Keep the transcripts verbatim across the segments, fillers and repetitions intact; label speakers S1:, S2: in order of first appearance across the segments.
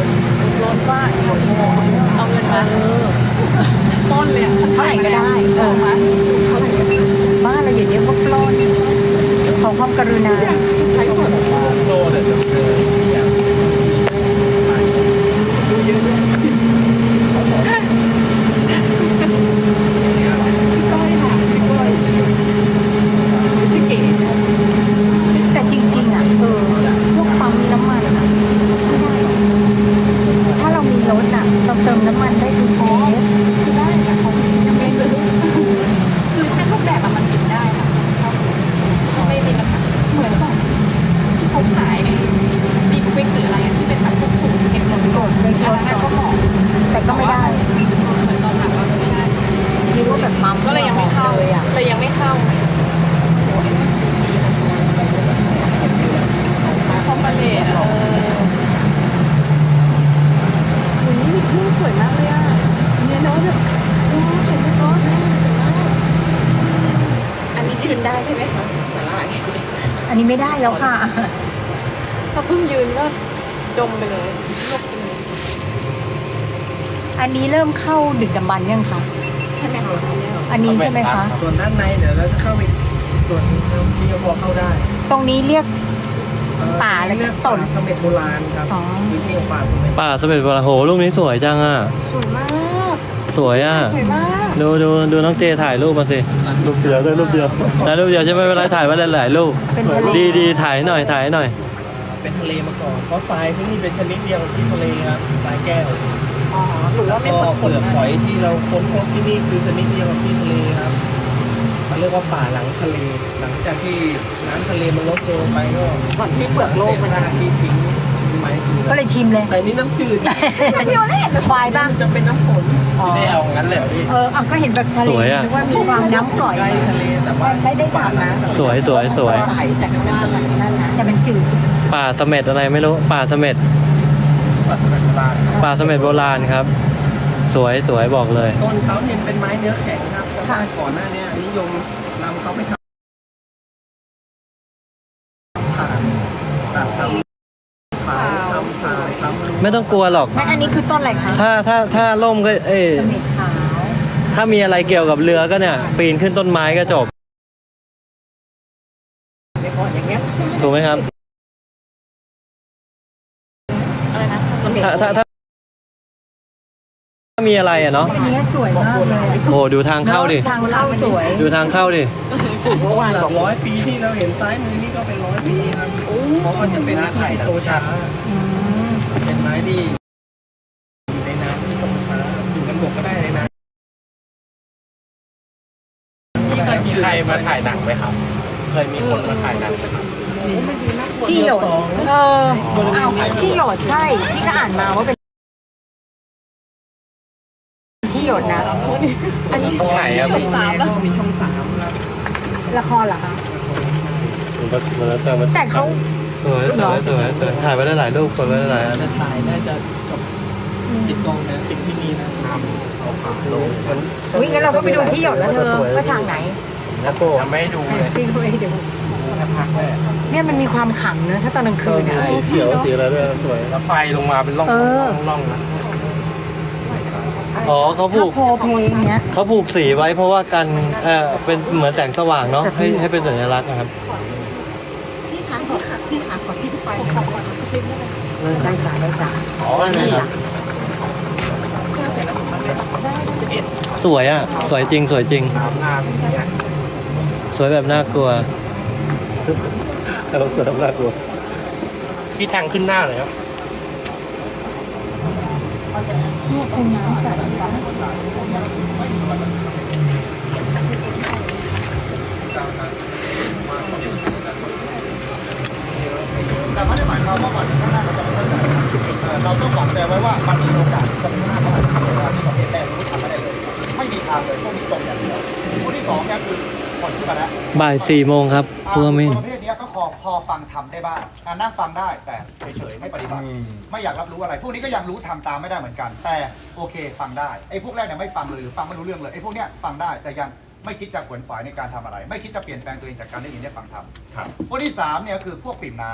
S1: ร้อนว่าเอาเงินมาต้นเลยอ่ะเท่าไหร่ก็ได้เออมาเท่าไหร่บ้านเราอย่างนี้พวกปล้นของความกรุณาใช้ส่วนโลเดี๋ยวแต่จริงๆอ่ะเออพวกปั๊มน้ำมันอ่ะไม่ได้ถ้าเรามีรถอ่ะเราเติมน้ำมันได้ทุกเทสคือได้แต่ของยังไม่คือคือถ้ารูปแบบอะมันปิดได้ค่ะไม่มีปัญหาเหมือนแบบที่เขาขายดีบุฟเฟ่ต์หรืออะไรที่เป็นแบบพวกสูตรเค็มรสกดเป็นอันนั้นก็เหมาะแต่ก็ไม่ได้เหมือนตอนหลังเราไม่ได้นี่ว่าแบบปั๊มก็เลยยังไม่เข้าเลยอ่ะแต่ยังไม่เข้าคอมพานีเออวันนี้มีทุ่งสวยมากเลยอ่ะเนี่ยเนาะแบบโอ้สวยมากเนาะสวยมากอันนี้ยืนได้ใช่ไหมคะสาหร่ายอันนี้ไม่ได้แล้วค่ะถ้าเพิ่งยืนก็จมไปเลยลบไปเลยอันนี้เริ่มเข้าดึกดำบรรพ์ยังคะใช่ไหมคะอันนี้ใช่ไหมคะ
S2: ส่วนด้านในเดี๋ยวเราจะเข้าไปส่วนที่พอเข้าได้
S1: ตรงนี้เรียกป่าอะไรกันต้น
S2: สมเด็จโบราณครับพื้นที่ของป่าสมเด็จ
S3: ป่าสมเด็จโบราณโหรูปนี้สวยจังอ่ะ
S1: สวยมาก
S3: สวยอ่ะ
S1: สวยมาก
S3: ดูดูดูน้องเจถ่ายรูปมาสิรูปเดียวได้รูปเดียวได้รูปเดียวใช่ไหมเวลาถ่ายว่าหลายๆรูปดีดีถ่ายหน่อยถ่ายหน่อย
S2: เป็นทะเลมาก่อนเพราะทรายที่นี่เป็นชนิดเดียวที่ทะเลครับทรายแก้ว
S1: อ๋อหรือว่าไม่
S2: เปลือกหอยที่เราค้นพบที่นี่คือชนิดเดียวกับที่ทะเลครับมันเรียกว่าป่าหลังทะเลหลังจากที่น้ำทะเลมันลดลงไปก็
S1: ก่อนที่เปลือกโลกมัน
S2: จะที่ทิ้งไม้
S1: ก็เลยชิมเลย
S2: แต่นี่น้ำจืด
S1: เที่ยวเล่นควายบ้าง
S2: จะเป็นน้ำฝนไม่ได้เอางั้นเลยพี่
S1: เออก็เห็นแบบทะเลนึกว่ามีความน้ำกร่อย
S2: ใกล้ทะเลแต่ว่า
S1: ไม่ได้ป่านะ
S3: สวยสวยสวย
S1: แต่ก็ว่านั่นนะแต่มันจืด
S3: ป่าเสม็ดอะไรไม่รู้ป่าเสม็ด
S2: ป่าเสม็ดโบราณ
S3: ป่าเสม็ดโบราณครับสวยสวยบอกเลย
S2: ต้นเขาเนี่ยเป็นไม้เนื้อแข็งครับชาวบ้านก่อนหน้านี้นิยมนำเขาไปทำผ่านตัดทำขายทำขายทำ
S3: ไม่ต้องกลัวหรอก
S1: อันนี้คือต้นอะไรคะ
S3: ถ้าถ้าถ้าล่มก็เออถ้ามีอะไรเกี่ยวกับเรือก็เนี่ยปีนขึ้นต้นไม้ก็จบถูกไหมครับ
S1: อะไรนะ
S3: ถ้าถ้าถ้ามีอะไรอ่ะเนาะ
S1: อันนี้สวยมากเลย
S3: โอ้ดูทางเข้าดิ
S1: ทางเข้าสวย
S3: ดูทางเข้าดิ
S2: เพราะว่าหลักร้อยปีที่เราเห็นซ้ายมือนี่ก็เป็นร้อยปีครับเพราะว่าจะเป็นไม้ที่โตช้าเป็นไม้ที่อยู่ในน้ำที่โตช้าอยู่บนบกก็ได้ในน้ำ
S4: เคยมีใครมาถ่ายหนังไหมครับเคยมีคนมาถ่ายหนังไหมครับ
S1: ที่หยดเออเอาที่หยดใช่ที่ก็อ่านมาว่าเป็นที่หยดนะ
S4: อันนี้ไหนอะ
S2: มีสามแล้วมีช่องสามครับ
S1: ละครเหรอคะแต่เขา
S3: สวยสวยสวยสวยถ่ายไปได้หลายรูปคนไปได้หลายอัน
S2: ถ่ายน่าจะจบติดกองนะติดที่นี่นะน้ำเขาขาดลง
S1: วิ่งงั้นเราก็ไปดูที่หยดแล้วเธอว่าฉากไหน
S4: แล้วก็ไม่ดูเลย
S1: พี่ดูเองเดี๋ยวเนี่ยมันมีความขลังเนอะถ้าตอนกลางคืนเนี่ย
S3: สีเขียวสีอะไรด้วยสวย
S4: แล้วไฟลงมาเป็นร่องร่องนะ
S3: อ๋อเขาผูก
S1: เพลงเนี้ย
S3: เขาผูกสีไว้เพราะว่ากันเออเป็นเหมือนแสงสว่างเนาะให้ให้เป็นสัญลักษณ์นะครับ
S1: พี่ขาขอพี่ขาขอที่ไฟขอก่อนได้จ้าได้จ้า
S3: อ๋อนี่ครับสวยอ่ะสวยจริงสวยจริงสวยแบบน่ากลัวแต่เราสวยแบบน่ากลัว
S4: พี่แทงขึ้นหน้าเลยครับ
S1: นี่เป็นน้ำใส
S2: แต่ไม่ได้หมายความว่าก่อนข้างหน้าเราจะไม่ได้เราต้องหวังแต่ไว้ว่ามันมีโอกาสจะมีหน้าเท่าไหร่ที่ประเทศแรกรู้ทำไม่ได้เลยไม่มีทางเลยพวกนี้ตกอย่างเดียวพวกที่สองเนี่ยคือผ่อนขึ้นมาแล้ว
S3: บ่ายสี่โมงครับพวกมิน
S2: ประเภทนี้ก็พอพอฟังทำได้บ้างนั่งฟังได้แต่เฉยๆไม่ปฏิบัติไม่อยากรับรู้อะไรพวกนี้ก็ยังรู้ทำตามไม่ได้เหมือนกันแต่โอเคฟังได้ไอ้พวกแรกเนี่ยไม่ฟังเลยหรือฟังไม่รู้เรื่องเลยไอ้พวกเนี้ยฟังได้แต่ยังไม่คิดจะขวนขวายในการทำอะไรไม่คิดจะเปลี่ยนแปลงตัวเองจากการได้ยินได้ฟังทำพวกที่สามเนี่ยคือพวกปิ่มน้ำ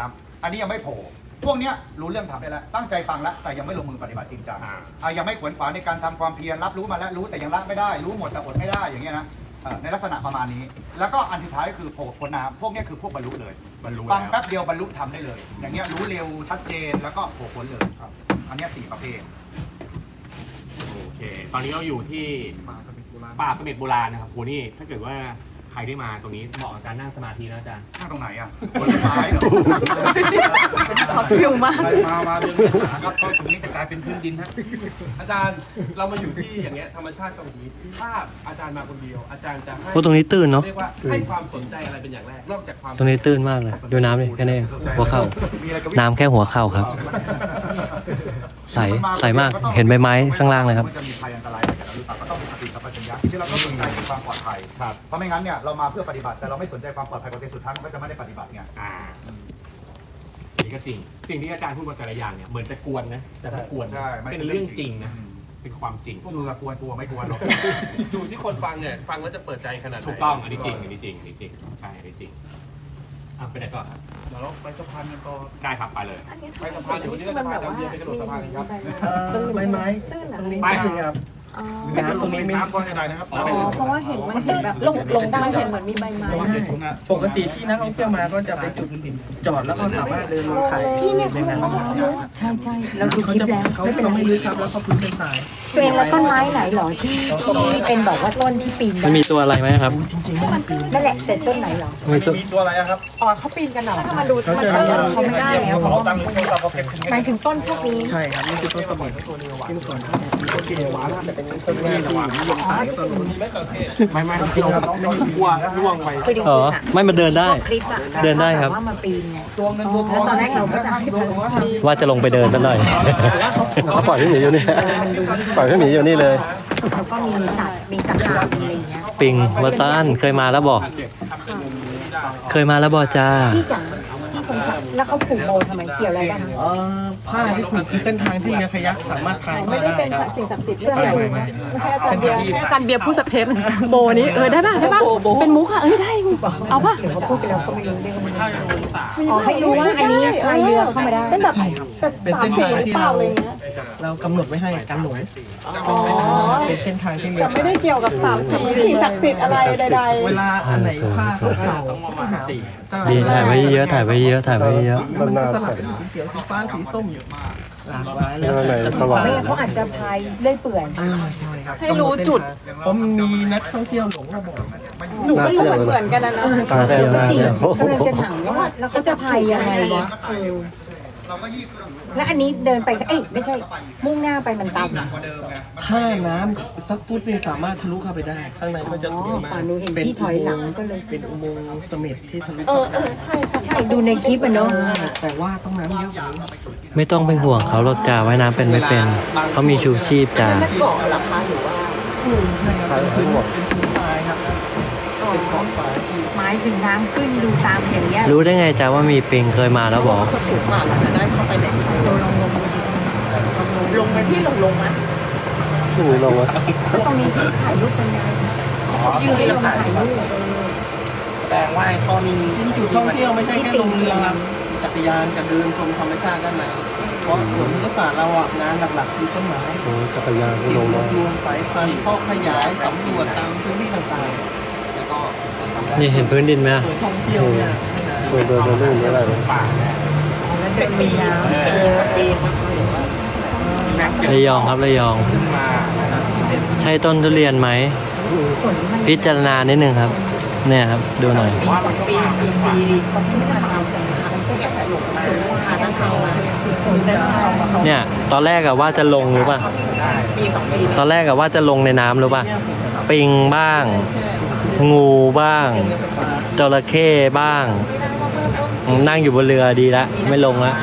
S2: อันนี้ยังไม่โผล่พวกเนี้ยรู้เรื่องทำได้แล้วตั้งใจฟังแล้วแต่ยังไม่ลงมือปฏิบัติจริงจังอ่ายังไม่ขวนขวายในการทำความเพียรรับรู้มาแล้วรู้แต่ยังละไม่ได้รู้หมดแต่อดไม่ได้อย่างเงี้ยนะเอ่อในลักษณะประมาณนี้ แล้วก็อันสุดท้ายคือโผล่พ้นน้ำพวกเนี้ยคือพวกบรรลุเลยบรรลุฟังแป๊บเดียวบรรลุทำได้เลย อย่างเงี้ยรู้เร็วชัดเจนแล้วก็โผล่พ้นเลยครับอันเนี้ยสี่ประเภท
S5: โอเค ตอนนี้เราอยู่ที่ป่าเสม็ดโบราณนะครับโหนี่ถ้าเกิดว่าใครได้มาตรงนี้เหมาะกับการนั่งสมาธินะอาจารย์
S2: ข้างตรงไหนอ่ะบนต้นไม้เหรอ
S1: ช็อตฟิลมาก
S2: มามาเดินหาครับก็ตรงนี้จะกลายเป็นพื้นดินฮะ
S6: อาจารย์เรามาอยู่ที่อย่างเงี้ยธรรมชาติตรงนี้ถ้าอาจารย์มาคนเดียว อาจารย์จะให้
S3: โอ้ตรงนี้ตื้นเนาะ
S6: เรียกว่าให้ความสนใจอะไรเป็นอย่างแรกนอกจากความ
S3: ตรงนี้ตื้นมากเลย ดูน้ำดิแค่นี้เองหัวเข่า น้ำแค่หัวเข่าครับ ใสใสมากเห็นใบไม้ข้างล่างเลยครับ
S2: มันจะมีภัยอันตรายอะไรกับเราหรือเปล่าก็ต้องมีสติสัมปชัญญะที่เราต้องสนใจในความปลอดภัยครับเพราะไม่งั้นเนี่ยเรามาเพื่อปฏิบัติแต่เราไม่สนใจความปลอดภัยของตัวเองสุดท้ายมันก็จะไม่ได้ปฏิบัติไง
S5: อ่านี่ก็จริง สิ่งที่อาจารย์พูดมาแต่ละอย่างเนี่ยเหมือนจะกวนนะ แต่ไม่กวน
S2: ใช่
S5: เป็นเรื่องจริงนะ เป็นความจริง
S2: พวกมึงอะกลัวกลัวไม่กลัวหรอก
S6: อยู่ที่คนฟังเนี่ยฟังแล้วจะเปิดใจขนาดไหน
S5: ถูกต้อง อันนี้จริง อันนี้จริง อันนี้จริง ใช่ อันนี้จริงอ่ะไปไหนต่อครับ
S2: เดี๋ยวเราไปสะพานกันต่อ
S5: ได้ครับ ไปเลย
S6: ไปสะพานเดี๋ยววันนี้เราจะพาอาจารย์เบียร์ไปกระโดดสะพานกันครับ
S7: ไม้ไม้ตรงนี้
S5: ไป
S7: ไม่ครับน้ำตรงนี้ไม่
S2: น้ำก็ให้ได้นะครับ
S5: อ๋อ
S1: เพราะว่าเห็นมันเห็นแบบลงลงได้เห็นเหมือนมีใบไม้
S2: ระวังเด็กตรงนั้น
S7: ปกติที่นักท่องเที่ยวมาก็จะไปจุดจอดแล้วก็สามารถเดินลงถ่าย
S1: พี่เนี่ย
S7: ใน
S1: เขา
S7: น้ำ
S1: ใช่ใช่เราดูค
S7: เขา
S1: ลิป
S7: จะ
S1: แล้ว
S7: เขา
S1: ไม่เป็น
S7: เขา
S1: ไร
S7: ไม่ลึกครับแล้วก็พื้นเป็นทราย
S1: ตัวเองแล้วต้นไม้ไหนหรอที่ที่เป็นแบบว่าต้นที่ปีนได้
S3: มันมีตัวอะไรไหมครับ
S7: จริงๆไม่ได้ปีน
S1: นั่นแหละแต่ต้นไหนหรอ
S3: มีตัว
S2: มีตัวอะไรอะครับ
S1: อ๋อเขาปีนกันเหรอถ้ามาดูมันก็เขาไม่ได้แล้วเพ
S2: เขา
S1: ราะว่า
S2: ตั้งพวกเราเขาเก็บขึ้น
S1: หมายถึงต้นพวกนี้
S7: ใช่ครับนี่คือต้นสมุนที่เมื่อก่อนมีต้นกินหวานแต่เป็นต้นที่ระหว่างนิยมขายต้นนู้น
S5: ไม่ไม่เราล่วงล่วงไป
S1: ไปดู
S3: อ๋อ
S1: อะ
S3: ไม่มาเดินได้
S1: คลิปอะ
S3: เดินได้ครับ
S1: ว่ามาปีนไง
S2: ตัวเงินตัวทอง
S1: แล้วตอนแรกเราก็จะให้
S2: ตัวของเรา
S3: ว่าจะลงไปเดินซะหน่อย เขาปล่อยพี่หมีอยู่นี่ ปล่อยพี่หมีอยู่นี่เลย
S1: แล้วก็มีสัตว์มีตะขาบมีอะไรอย่างเงี้ย
S3: ปิงวาซานเคยมาแล้วบอก เคยมาแล้วบอกจ้า
S1: พี่จ๋าพี่ผมค่ะแล้วเขาผูกโบทำไมเกี่ยวอะไรบ้าง
S7: เอ่อผ้าที่ผูกคือเส้นทางที่เรือคายักสามารถพาย
S8: ไม่
S7: มา
S8: ได้
S7: ได้
S8: เป็น
S7: ครับ
S8: สิ่งศักดิ์สิทธิ์
S1: เพื่ออะไร
S7: ไม่ไม่
S8: ให้อาจารย์เบียร์ให้อาจารย์เบียร์พูดสักเทปหนึ่งโบนี้เออได้ป่ะได้ป่ะเป็นมุกอ่ะเอ้ยได้เอาป่ะ
S1: เดี๋ยวเขาพูดไปแล้วเขาไม่รู้เรื่องอ๋อให้รู้ว่าอันนี้พายเรือเข้ามาได้
S8: เป็นแบบ
S7: ใช่ครับ
S8: แบบ
S7: เป็น
S8: สาม
S7: เส้น
S8: สี
S7: ทาง
S8: หรือ
S7: ที่
S8: เปล่า
S7: เรา
S8: อะไรเงี้ย
S7: เรากำหนดไว้ให้กันหลง
S8: อ๋อ
S7: เป็นเส้นทางที่เรือ
S8: แต่ไม่ได้เกี่ยวกับสามสีสิ่งศักดิ์สิทธิ์อะไรใด
S7: เวลาอันไหนผ้าเก่าๆก็หา
S3: ดีถ่ายไว้เยอะถ่ายไว้เยอะถ่ายไว้เยอะ
S7: มันสลับเป็นสีเขียวสีฟ้าสีส้มหลากหลายแล้วแต่จะ
S3: สว่าง
S1: ไม่งั้นเขาอาจจะพายเลื่อยเปื่อย
S7: อ่าใช่ครับ
S8: ให้รู้จุด
S7: ผมมีนักท่องเที่ยวหลงมาบอก
S8: หนูก็รู้เหมือนเหมือนกันนะนะ
S3: ตาเที่ยว
S1: ก็
S3: น่า
S1: จริง
S3: เที่ยว
S1: กำลังจะถามว่าแล้วเขาจะพายยังไงวะเออ
S2: เราก็ยี่เรื่อง
S1: แล้วอันนี้เดินไปเอ้ยไม่ใช่มุ่งหน้าไปมันต่ำ
S2: หนักกว่าเดิมไง
S7: ถ้าน้ำสักฟุตนี่สามารถทะลุเข้าไปได้ ข้างในก็จะ
S1: อ๋อ
S7: สวยมา
S1: ป่าก นูเห็นพี่ถอยหลังก็เลย
S7: เป็นอุโมงค์เสม็ดที่ทะลุ
S8: เอ
S7: เข้า
S8: อ
S7: ไป
S8: เออใช่ค่ะ
S1: ใช่ดูในคลิปอะเนาะ
S7: แต่ว่าต้องน้ำเยอะกว่านี้
S3: ไม่ต้องไปห่วงเขาหรอกจ้าว่ายน้ำเป็นไม่เป็น เขามีชูชีพจ้า
S8: นั่นเกาะเหรอคะหรือว่า
S7: อืมใช่ครับเป็นพื้นเป็นพื้นทรายครับเป็นขอบฟ้าที่
S1: หมายถึงน้ำขึ้นดูตามอย่างเงี้ย
S3: รู้ได้ไงจ้าว่ามีปิงเคยมาแล้วบอก
S7: สูงมากเราจะได้เข้าไปในเราลองลงลงไปที่ลงลงไหม
S3: ลงวะ
S1: แล้วตรงนี้ที่ถ่ายรูปเป็นไงยืนลงถ่ายรูป
S7: แสดงว่าตอนจุดท่องเที่ยวไม่ใช่แค่ลงเรือครับจักรยานจะเดินชมธรรมชาติด้านในเพราะสวนพฤกษศาสตร์เราอ่ะงานหลักๆคือต้นไม้
S3: จักรยานก็ลง
S7: ร
S3: มาว
S7: บรวมสายพันธุ์ข้อขยายสำรวจตามพื้นที่ต่างๆแล้วก็
S3: นี่เห็นพื้นดินไหม
S7: สวนท่องเที่ยวเนี่ย
S3: เดินเดินเดินไม่ได้เลย
S1: แล้วเดินมีน้ำเออปีน
S3: ระยองครับระยอง ใช่ต้นทุเรียนไหม
S1: ฝนมัน
S3: พิจารณานิดนึงครับ เนี่ยครับ ดูหน่อย
S1: ปีปีซีคนที่ไม่ทำมันก็จะหลงมาหาทางเข้ามาคนเดินเข้ามา
S3: เนี่ย ตอนแรกอะว่าจะลงรู้ป่ะ
S1: ปีสองปี
S3: ตอนแรกอะว่าจะลงในน้ำรู้ป่ะ ปิงบ้าง งูบ้าง จระเข้บ้าง นั่งอยู่บนเรือดีละไม่ลงละ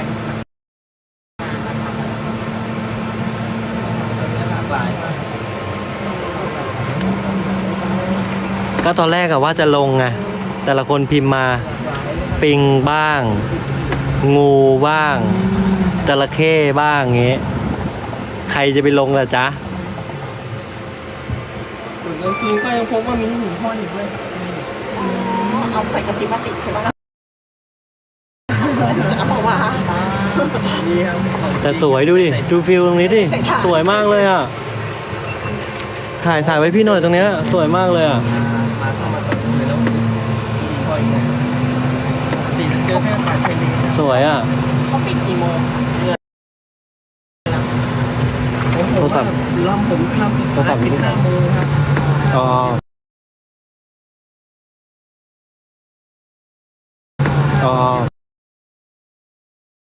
S3: ก็ตอนแรกอะว่าจะลงไงแต่ละคนพิมพ์มา ปิงบ้าง งูบ้าง จระเข้บ้างงี้ ใครจะไปลงล่ะจ๊ะ
S7: ส่วนกลางคืนก็ยังพบว่ามีหินห้อยอยู่ด้วย
S8: เอาใส่กระติกพลาสติกใช่ไหม
S7: จะเอามาดีครับ
S3: แต่สวยดูดิ ดูฟิลตรงนี้ดิ สวยมากเลยอ่ะ ถ่ายถ่ายไว้พี่หน่อยตรงเนี้ย สวยมากเลยอ่ะ
S7: มาเข้ามาตรงนี้แล้วดีพออีกนะดีมันเจอแค่ฝ่ายเทรนนิ่ง
S3: สวยอ่ะ
S7: เขาปิดกี่โมง
S3: โทรศัพท์
S7: ลำผมลำ
S3: โทรศัพท์
S7: ปิดห้าโมงครับ
S3: อ๋อ อ๋อ